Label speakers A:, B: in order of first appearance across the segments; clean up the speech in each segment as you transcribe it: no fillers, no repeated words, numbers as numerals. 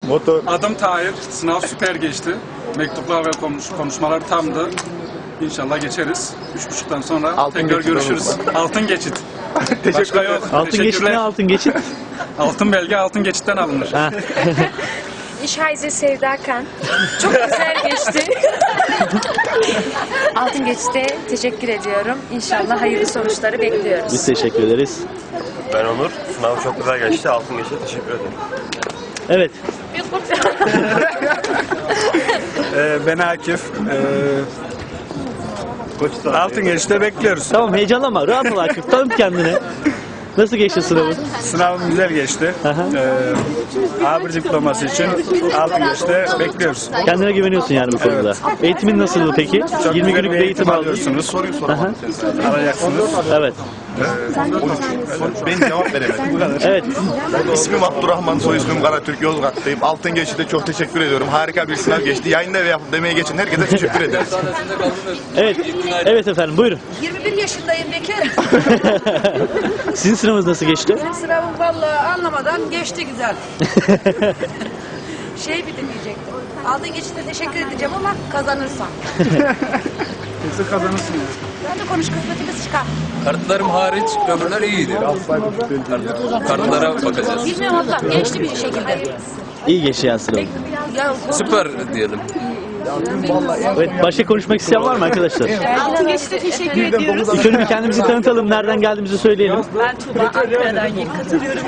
A: Motor.
B: Adım Tahir. Sınav süper geçti. Mektuplar ve konuşmalar tamdı. İnşallah geçeriz. 3.30'dan sonra
A: Altın
B: tekrar
A: geçit
B: görüşürüz. Altın geçit. Başka yok.
C: Altın geçit ne altın geçit?
B: Altın belge altın geçitten alınır.
C: Ha.
D: Ich heiße Sevda Kan. Çok güzel geçti. Altın geçti. Teşekkür ediyorum. İnşallah hayırlı sonuçları bekliyoruz.
C: Biz teşekkür ederiz.
E: Ben Onur. Sınav çok güzel geçti. Altın geçti. Teşekkür ederim.
C: Evet.
B: Ben Akif. Altın geçişte bekliyoruz.
C: Tamam heyecanlanma. Rahat ol Akif. Tanıt kendini. Nasıl geçti sınavın?
B: Sınavım güzel geçti.
C: Aha.
B: A1 diploması için altın geçişte bekliyoruz.
C: Kendine güveniyorsun yani bu konuda. Eğitimin nasıldı peki? 20 günlük bir eğitim aldın.
B: alıyorsunuz.
C: Aha.
B: Alacaksınız.
C: Evet.
A: Ben cevap veremedim.
C: Evet.
A: İsmim Abdurrahman, soy ismim Karatürk, Yozgat'tayım. Altın geçti, çok teşekkür ediyorum. Harika bir sınav geçti. Yayında ve yapıp demeye geçin herkese teşekkür ederiz.
C: Evet. Evet efendim buyurun.
F: 21 yaşındayım, bekarım.
C: Sizin sınavınız nasıl geçti?
F: Sınavım vallahi anlamadan geçti güzel. Bir de diyecektim. Aldığın geçişte teşekkür edeceğim ama kazanırsam.
B: Kesin kazanırsınız.
F: Ben de konuş, kısmetimiz çıkar.
G: Kartlarım hariç öbürler iyiydi. Kartlara bakacağız.
F: Bilmiyorum abla, geçti bir şekilde.
C: İyi geçti yani sınavın.
F: Ya,
G: Süper diyelim.
C: Evet. Başka konuşmak isteyen var mı arkadaşlar?
F: altın geçişte teşekkür ediyoruz.
C: Şöyle bir kendimizi tanıtalım. Nereden geldiğimizi söyleyelim.
F: Ben Tuğba Ankara'dan katılıyorum.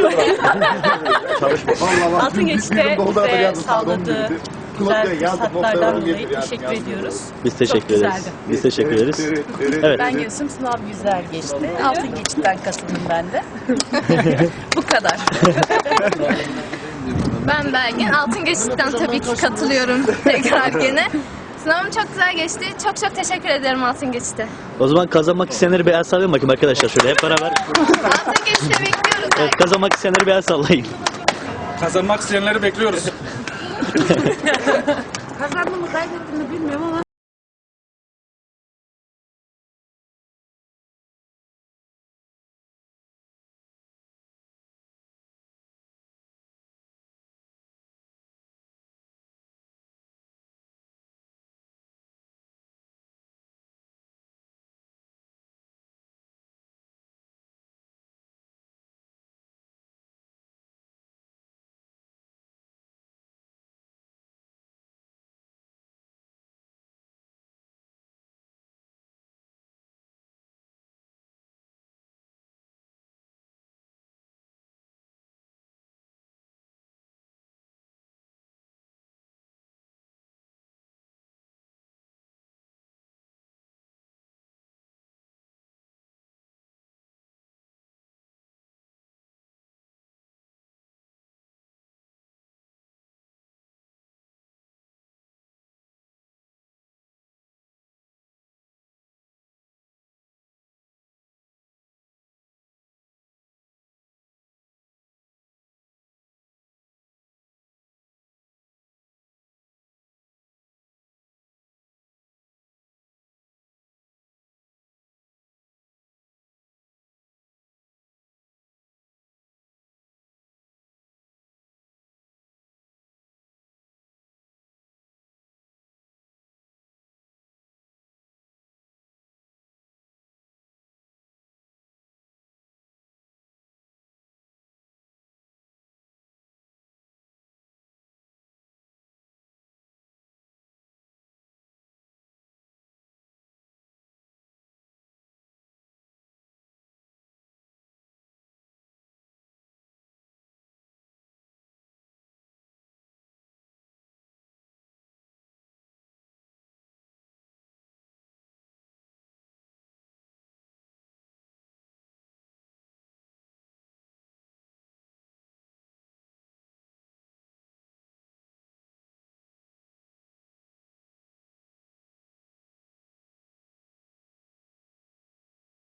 F: Altın geçişte bize sağladığı güzel fırsatlardan dolayı teşekkür ediyoruz.
C: Biz teşekkür
F: Çok
C: ederiz.
F: güzeldi.
C: Biz teşekkür ederiz. Evet.
F: Ben Gülsüm, sınav güzel geçti. Altın geçitten katıldım ben de. Bu kadar.
D: Ben Belgin. Altın geçitten tabii ki katılıyorum tekrar gene. Sınavım çok güzel geçti. Çok çok teşekkür ederim altın geçite.
C: O zaman kazanmak isteyenleri bir el sallayın bakayım arkadaşlar şöyle hep beraber.
D: Altın geçite bekliyoruz.
C: Evet, kazanmak isteyenleri bir el sallayın.
B: Kazanmak isteyenleri bekliyoruz.
F: Kazandım mı kaybettim mi bilmiyorum ama